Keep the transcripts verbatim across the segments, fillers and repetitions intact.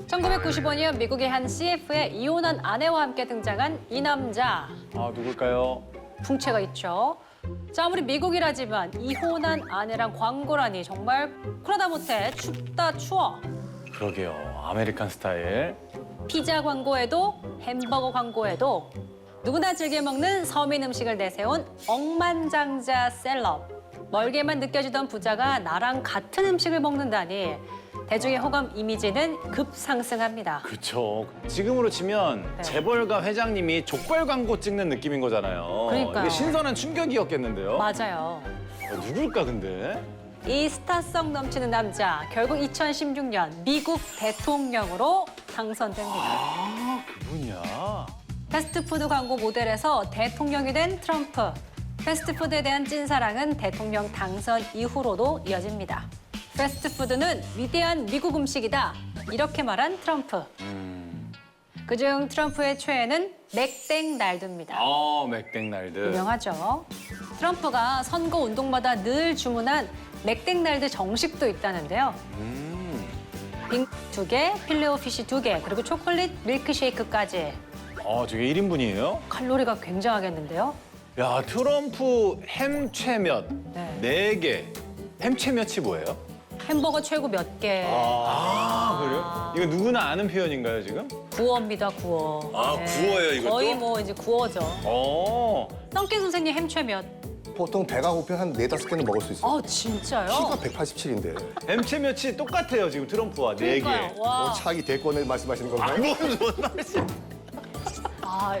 천구백구십오 년 미국의 한 씨에프에 이혼한 아내와 함께 등장한 이 남자. 아, 누굴까요? 풍채가 있죠. 자, 아무리 미국이라지만 이혼한 아내랑 광고라니 정말 그러다 못해 춥다 추워. 그러게요. 아메리칸 스타일. 피자 광고에도 햄버거 광고에도 누구나 즐겨 먹는 서민 음식을 내세운 억만장자 셀럽. 멀게만 느껴지던 부자가 나랑 같은 음식을 먹는다니 대중의 호감 이미지는 급상승합니다. 그렇죠. 지금으로 치면 네. 재벌가 회장님이 족발 광고 찍는 느낌인 거잖아요. 그러니까요. 이게 신선한 충격이었겠는데요. 맞아요. 어, 누굴까 근데? 이 스타성 넘치는 남자, 결국 이천십육 년 미국 대통령으로 당선됩니다. 아, 그분이야. 패스트푸드 광고 모델에서 대통령이 된 트럼프. 패스트푸드에 대한 찐사랑은 대통령 당선 이후로도 이어집니다. 패스트푸드는 위대한 미국 음식이다. 이렇게 말한 트럼프. 음. 그중 트럼프의 최애는 맥땡날드입니다. 아, 맥땡날드. 유명하죠. 트럼프가 선거 운동마다 늘 주문한 맥땡날드 정식도 있다는데요. 음. 빙 두 개, 필레오피쉬 두 개, 그리고 초콜릿 밀크쉐이크까지. 아, 저게 일 인분이에요? 칼로리가 굉장하겠는데요. 야, 트럼프 햄최몇 네. 네 개. 햄최몇이 뭐예요? 햄버거 최고 몇 개. 아, 그래요? 이거 누구나 아는 표현인가요, 지금? 구어입니다, 구어. 아, 구어예요, 이것도? 거의 뭐 이제 구어죠. 어. 썬깨 선생님 햄최 몇? 보통 배가 고프면 한 네다섯 개는 먹을 수 있어요. 아, 진짜요? 키가 백팔십칠인데. 햄최몇이 똑같아요, 지금 트럼프와 네 개. 그러니까요. 와. 어, 차기 대권을 말씀하시는 건가요? 뭔 말씀? 아,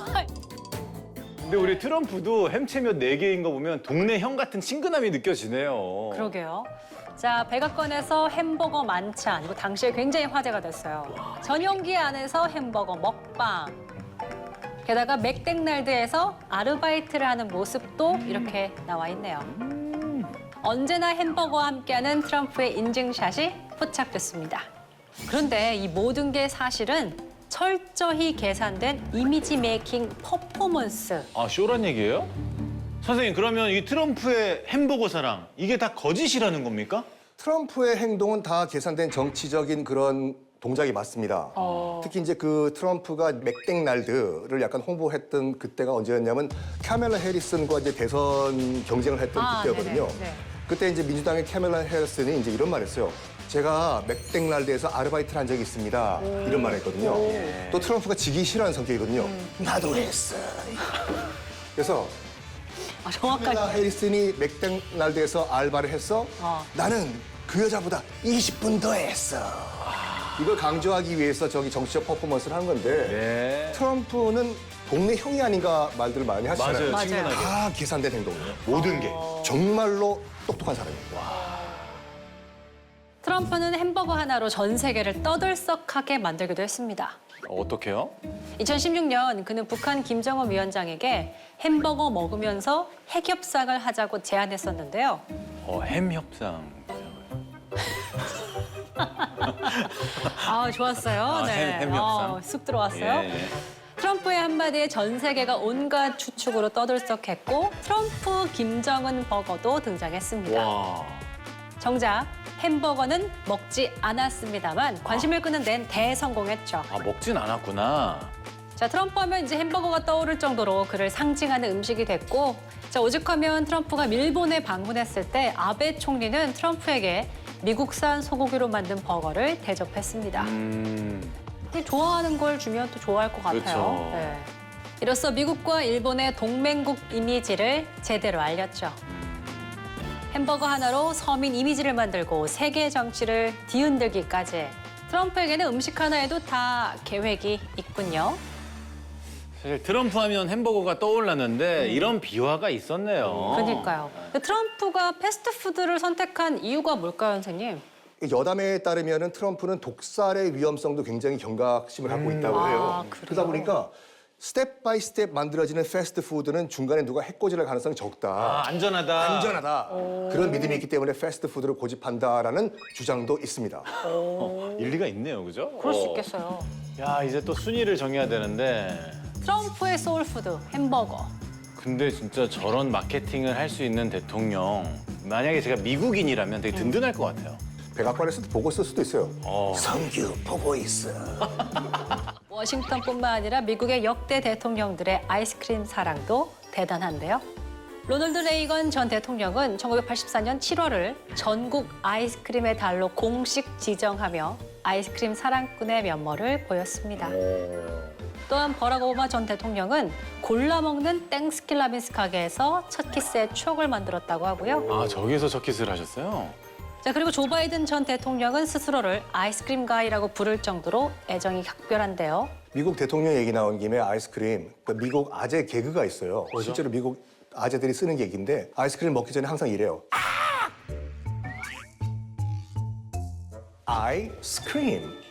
근데 우리 트럼프도 햄채몇 네 개인 거 보면 동네 형 같은 친근함이 느껴지네요. 그러게요. 자, 백악관에서 햄버거 만찬. 이거 당시에 굉장히 화제가 됐어요. 전용기 안에서 햄버거 먹방. 게다가 맥땡날드에서 아르바이트를 하는 모습도 이렇게 나와 있네요. 언제나 햄버거와 함께하는 트럼프의 인증샷이 포착됐습니다. 그런데 이 모든 게 사실은 철저히 계산된 이미지 메이킹 퍼포먼스. 아, 쇼란 얘기예요? 선생님, 그러면 이 트럼프의 햄버거 사랑, 이게 다 거짓이라는 겁니까? 트럼프의 행동은 다 계산된 정치적인 그런 동작이 맞습니다. 어. 특히 이제 그 트럼프가 맥땡날드를 약간 홍보했던 그때가 언제였냐면 카멜라 해리슨과 이제 대선 경쟁을 했던 아, 그때였거든요. 네네, 네. 그때 이제 민주당의 카멜라 해리슨이 이제 이런 말을 했어요. 제가 맥땡날드에서 아르바이트를 한 적이 있습니다. 이런 말을 했거든요. 또 트럼프가 지기 싫어하는 성격이거든요. 나도 했어. 그래서 아, 정확하게. 카멜라 해리슨이 맥땡날드에서 알바를 했어. 어. 나는 그 여자보다 이십 분 더 했어. 이걸 강조하기 위해서 저기 정치적 퍼포먼스를 한 건데 네. 트럼프는 동네 형이 아닌가 말들을 많이 하시잖아요. 맞아요, 맞아요. 친근하게. 다 계산된 행동이에요. 모든 게 정말로 똑똑한 사람이에요. 트럼프는 햄버거 하나로 전 세계를 떠들썩하게 만들기도 했습니다. 어, 어떡해요? 이천십육 년 그는 북한 김정은 위원장에게 햄버거 먹으면서 핵협상을 하자고 제안했었는데요. 어, 햄 협상. 아, 좋았어요. 아, 네. 햄- 햄 협상. 어, 쑥 들어왔어요. 예. 트럼프의 한마디에 전 세계가 온갖 추측으로 떠들썩했고 트럼프 김정은 버거도 등장했습니다. 와. 정작 햄버거는 먹지 않았습니다만 관심을 끄는 데는 대성공했죠. 아, 먹진 않았구나. 자, 트럼프 하면 이제 햄버거가 떠오를 정도로 그를 상징하는 음식이 됐고, 자, 오죽하면 트럼프가 일본에 방문했을 때 아베 총리는 트럼프에게 미국산 소고기로 만든 버거를 대접했습니다. 음. 좋아하는 걸 주면 또 좋아할 것 같아요. 그렇죠. 네. 이로써 미국과 일본의 동맹국 이미지를 제대로 알렸죠. 햄버거 하나로 서민 이미지를 만들고 세계 정치를 뒤흔들기까지. 트럼프에게는 음식 하나에도 다 계획이 있군요. 사실 트럼프 하면 햄버거가 떠올랐는데 이런 비화가 있었네요. 그러니까요. 트럼프가 패스트푸드를 선택한 이유가 뭘까요, 선생님? 여담에 따르면 트럼프는 독살의 위험성도 굉장히 경각심을 갖고 있다고 해요. 아, 그래요? 그러다 보니까 스텝 바이 스텝 만들어지는 패스트푸드는 중간에 누가 해코지할 가능성이 적다. 아, 안전하다. 안전하다. 그런 믿음이 있기 때문에 패스트푸드를 고집한다라는 주장도 있습니다. 어, 일리가 있네요, 그죠? 그럴 수 어. 있겠어요. 야, 이제 또 순위를 정해야 되는데. 트럼프의 소울푸드, 햄버거. 근데 진짜 저런 마케팅을 할 수 있는 대통령, 만약에 제가 미국인이라면 되게 든든할 것 같아요. 백악관에서도 보고 쓸 수도 있어요. 어. 성규 보고 있어. 워싱턴뿐만 아니라 미국의 역대 대통령들의 아이스크림 사랑도 대단한데요. 로널드 레이건 전 대통령은 천구백팔십사 년 칠월을 전국 아이스크림의 달로 공식 지정하며 아이스크림 사랑꾼의 면모를 보였습니다. 또한 버락 오바마 전 대통령은 골라 먹는 땡스킬 라빈스 가게에서 첫 키스의 추억을 만들었다고 하고요. 아, 저기서 첫 키스를 하셨어요? 자, 그리고 조 바이든 전 대통령은 스스로를 아이스크림 가이라고 부를 정도로 애정이 각별한데요. 미국 대통령 얘기 나온 김에 아이스크림, 그 미국 아재 개그가 있어요. 실제로 미국 아재들이 쓰는 개그인데 아이스크림 먹기 전에 항상 이래요. 아이스크림.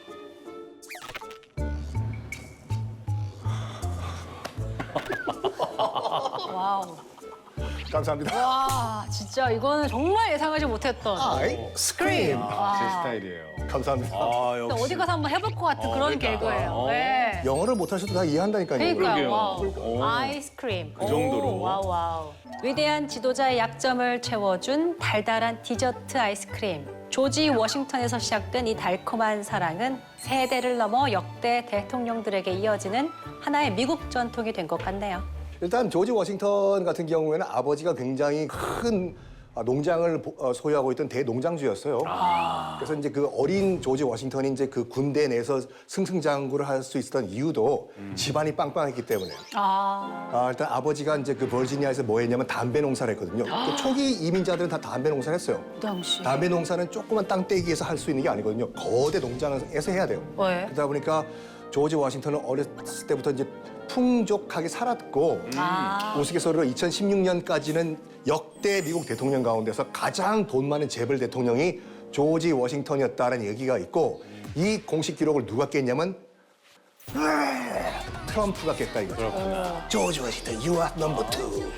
와우. 감사합니다. 와, 진짜 이거는 정말 예상하지 못했던. 아이스크림. 아, 제 스타일이에요. 감사합니다. 아, 근데 역시. 어디 가서 한번 해볼 것 같은 어, 그런 그러니까. 개그예요. 어. 네. 영어를 못하셔도 다 이해한다니까요. 그러니까요. 그러게요. 와우. 오. 아이스크림. 그 정도로. 오, 와우, 와우. 위대한 지도자의 약점을 채워준 달달한 디저트 아이스크림. 조지 워싱턴에서 시작된 이 달콤한 사랑은 세대를 넘어 역대 대통령들에게 이어지는 하나의 미국 전통이 된 것 같네요. 일단 조지 워싱턴 같은 경우에는 아버지가 굉장히 큰 농장을 보- 어, 소유하고 있던 대농장주였어요. 그래서 이제 그 어린 조지 워싱턴이 이제 그 군대 내에서 승승장구를 할 수 있었던 이유도 집안이 빵빵했기 때문에. 아, 아, 일단 아버지가 이제 그 버지니아에서 뭐 했냐면 담배 농사를 했거든요. 그 초기 이민자들은 다 담배 농사를 했어요. 그 당시. 담배 농사는 조그만 땅떼기에서 할 수 있는 게 아니거든요. 거대 농장에서 해야 돼요. 왜? 그러다 보니까 조지 워싱턴은 어렸을 때부터 이제 풍족하게 살았고 아. 우스갯소리로 이천십육 년까지는 역대 미국 대통령 가운데서 가장 돈 많은 재벌 대통령이 조지 워싱턴이었다는 얘기가 있고 이 공식 기록을 누가 깼냐면 트럼프가 깼다 이거죠. 조지 워싱턴, you are number two.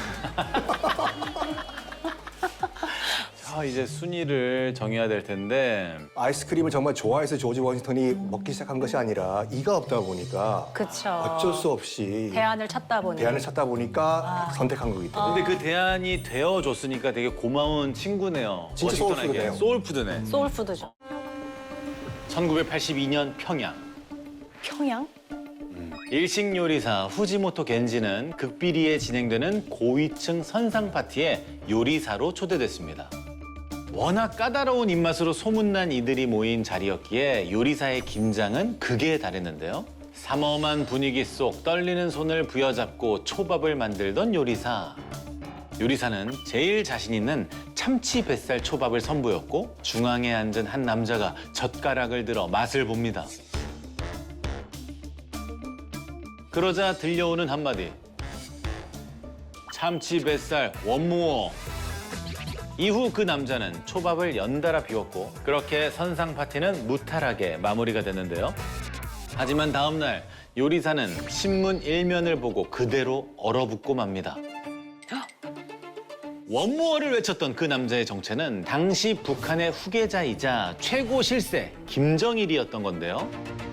자, 이제 순위를 정해야 될 텐데. 아이스크림을 정말 좋아해서 조지 워싱턴이 먹기 시작한 것이 아니라 이가 없다 보니까 그쵸. 어쩔 수 없이 대안을 찾다 보니. 대안을 찾다 보니까 선택한 거기 때문에. 근데 그 대안이 되어줬으니까 되게 고마운 친구네요. 진짜 워싱턴에게. 소울푸드네요. 소울푸드네. 소울푸드죠. 천구백팔십이 년 평양. 평양? 일식 요리사 후지모토 겐지는 극비리에 진행되는 고위층 선상 파티에 요리사로 초대됐습니다. 워낙 까다로운 입맛으로 소문난 이들이 모인 자리였기에 요리사의 긴장은 극에 달했는데요. 삼엄한 분위기 속 떨리는 손을 부여잡고 초밥을 만들던 요리사. 요리사는 제일 자신 있는 참치 뱃살 초밥을 선보였고 중앙에 앉은 한 남자가 젓가락을 들어 맛을 봅니다. 그러자 들려오는 한마디. 참치 뱃살 원무어. 이후 그 남자는 초밥을 연달아 비웠고 그렇게 선상 파티는 무탈하게 마무리가 됐는데요. 하지만 다음 날 요리사는 신문 일면을 보고 그대로 얼어붙고 맙니다. 원무어를 외쳤던 그 남자의 정체는 당시 북한의 후계자이자 최고 실세 김정일이었던 건데요.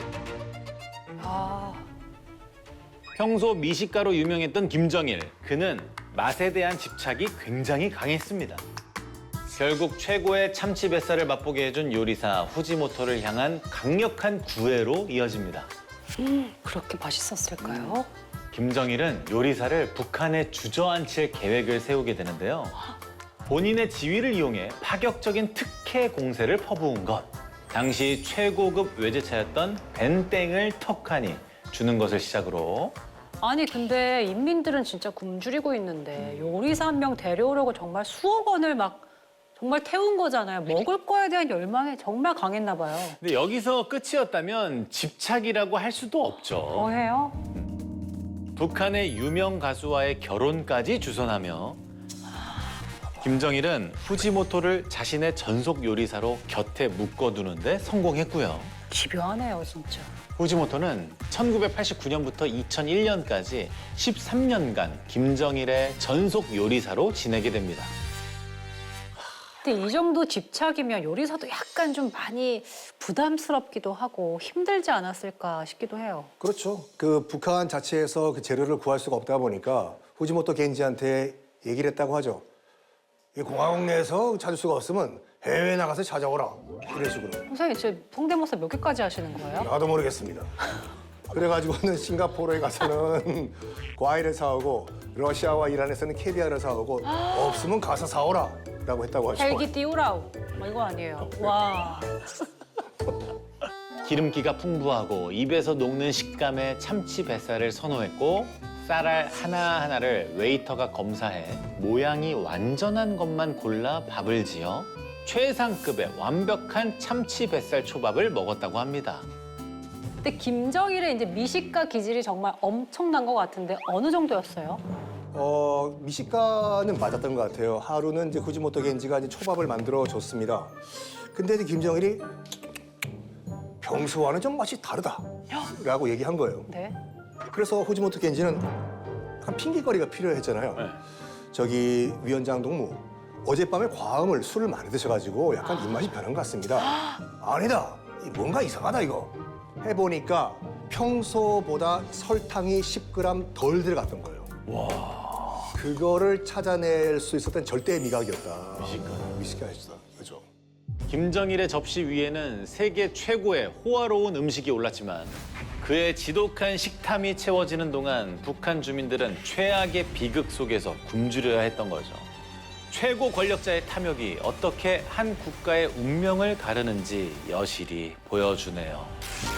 아, 평소 미식가로 유명했던 김정일, 그는 맛에 대한 집착이 굉장히 강했습니다. 결국 최고의 참치 뱃살을 맛보게 해준 요리사 후지모토를 향한 강력한 구애로 이어집니다. 그렇게 맛있었을까요? 김정일은 요리사를 북한에 주저앉힐 계획을 세우게 되는데요. 본인의 지위를 이용해 파격적인 특혜 공세를 퍼부은 것. 당시 최고급 외제차였던 벤땡을 턱하니 주는 것을 시작으로 아니 근데 인민들은 진짜 굶주리고 있는데 요리사 한 명 데려오려고 정말 수억 원을 막 정말 태운 거잖아요. 먹을 거에 대한 열망이 정말 강했나 봐요. 근데 여기서 끝이었다면 집착이라고 할 수도 없죠. 뭐해요? 북한의 유명 가수와의 결혼까지 주선하며 김정일은 후지모토를 자신의 전속 요리사로 곁에 묶어두는데 성공했고요. 집요하네요, 진짜. 후지모토는 천구백팔십구 년부터 이천일 년까지 십삼 년간 김정일의 전속 요리사로 지내게 됩니다. 근데 이 정도 집착이면 요리사도 약간 좀 많이 부담스럽기도 하고 힘들지 않았을까 싶기도 해요. 그렇죠. 그 북한 자체에서 그 재료를 구할 수가 없다 보니까 후지모토 겐지한테 얘기를 했다고 하죠. 이 공화국 내에서 찾을 수가 없으면 해외 나가서 찾아오라. 이런 식으로. 선생님, 진짜 성대모사 몇 개까지 하시는 거예요? 나도 모르겠습니다. 그래가지고는 싱가포르에 가서는 과일을 사오고 러시아와 이란에서는 캐비아를 사오고 없으면 가서 사오라 라고 했다고 하죠. 헬기 띄우라우. 뭐 이거 아니에요. 와. 기름기가 풍부하고 입에서 녹는 식감의 참치 뱃살을 선호했고 쌀알 하나하나를 웨이터가 검사해 모양이 완전한 것만 골라 밥을 지어 최상급의 완벽한 참치 뱃살 초밥을 먹었다고 합니다. 근데 김정일의 이제 미식가 기질이 정말 엄청난 것 같은데 어느 정도였어요? 어, 미식가는 맞았던 것 같아요. 하루는 이제 후지모토 겐지가 이제 초밥을 만들어 줬습니다. 근데 이제 김정일이 평소와는 좀 맛이 다르다라고 얘기한 거예요. 네. 그래서 후지모토 겐지는 약간 핑계거리가 필요했잖아요. 네. 저기 위원장 동무 어젯밤에 과음을 술을 많이 드셔가지고 약간 입맛이 변한 것 같습니다. 아니다, 이 뭔가 이상하다 이거. 해보니까 평소보다 설탕이 십 그램 덜 들어갔던 거예요. 와. 그거를 찾아낼 수 있었던 절대의 미각이었다. 미식가. 미식가였다. 그죠. 김정일의 접시 위에는 세계 최고의 호화로운 음식이 올랐지만 그의 지독한 식탐이 채워지는 동안 북한 주민들은 최악의 비극 속에서 굶주려야 했던 거죠. 최고 권력자의 탐욕이 어떻게 한 국가의 운명을 가르는지 여실히 보여주네요.